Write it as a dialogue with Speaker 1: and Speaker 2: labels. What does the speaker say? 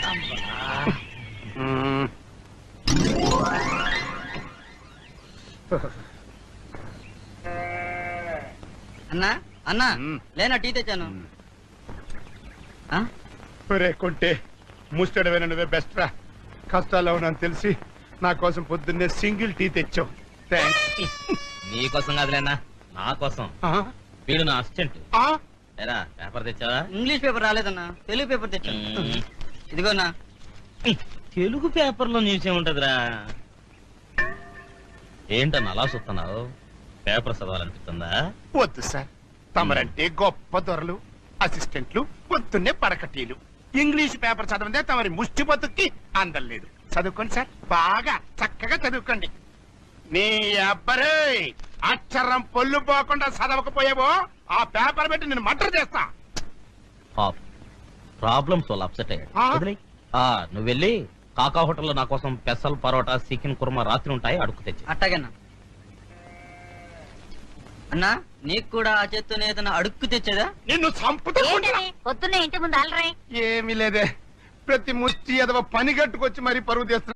Speaker 1: అన్నా అన్నా లేనా టీ తెచ్చాను.
Speaker 2: కొంటే ముస్టడవేనా నువ్వే బెస్ట్ రా. కష్టాల్లో ఉన్నాను తెలిసి నా కోసం పొద్దున్నే సింగిల్ టీ తెచ్చావు. థ్యాంక్స్.
Speaker 3: నీకోసం కాదులేనా, నా కోసం. వీడు నా అసిస్టెంట్. పేపర్ తెచ్చావా?
Speaker 1: ఇంగ్లీష్ పేపర్ రాలేదన్నా, తెలుగు పేపర్ తెచ్చాను. ఇదిగోనా.
Speaker 3: తెలుగు పేపర్ లో న్యూస్ ఏముంటదిరా? ఏంటన్నా అలా చూస్తున్నావు? పేపర్ చదవాలనిపిస్తుందా?
Speaker 2: వద్దు సార్, తమరంటే గొప్ప దొరలు, అసిస్టెంట్లు, పొద్దున్నే పడకటీలు. ఇంగ్లీష్ పేపర్ చదవదే తమరి ముష్టి బతుక్కి అందలేదు. చదువుకోండి సార్, బాగా చక్కగా చదువుకోండి. నీ అబ్బరే అక్షరం పొల్లు పోకుండా చదవకపోయావో ఆ పేపర్ పెట్టి నేను మర్డర్ చేస్తా.
Speaker 3: ప్రాబ్లమ్స్ వాళ్ళు అప్సెట్ అయ్యాడు. నువ్వు వెళ్ళి కాకా హోటల్లో నా కోసం పెసల్ పరోటా చికెన్ కుర్మా రాత్రి ఉంటాయి, అడుగు తెచ్చి.
Speaker 1: అట్టాగన్నా. అన్నా నీకు కూడా ఆ చేత్తోనే ఏదైనా అడుక్కు తెచ్చేదా?
Speaker 2: నిన్ను చంపుతా.
Speaker 4: పొద్దున్నే ఇంటి ముందు అలరే.
Speaker 2: ఏమీ లేదే, ప్రతి ముష్టి ఎదవ పని కట్టుకొచ్చి మరీ పరువు తీస్తున్నా.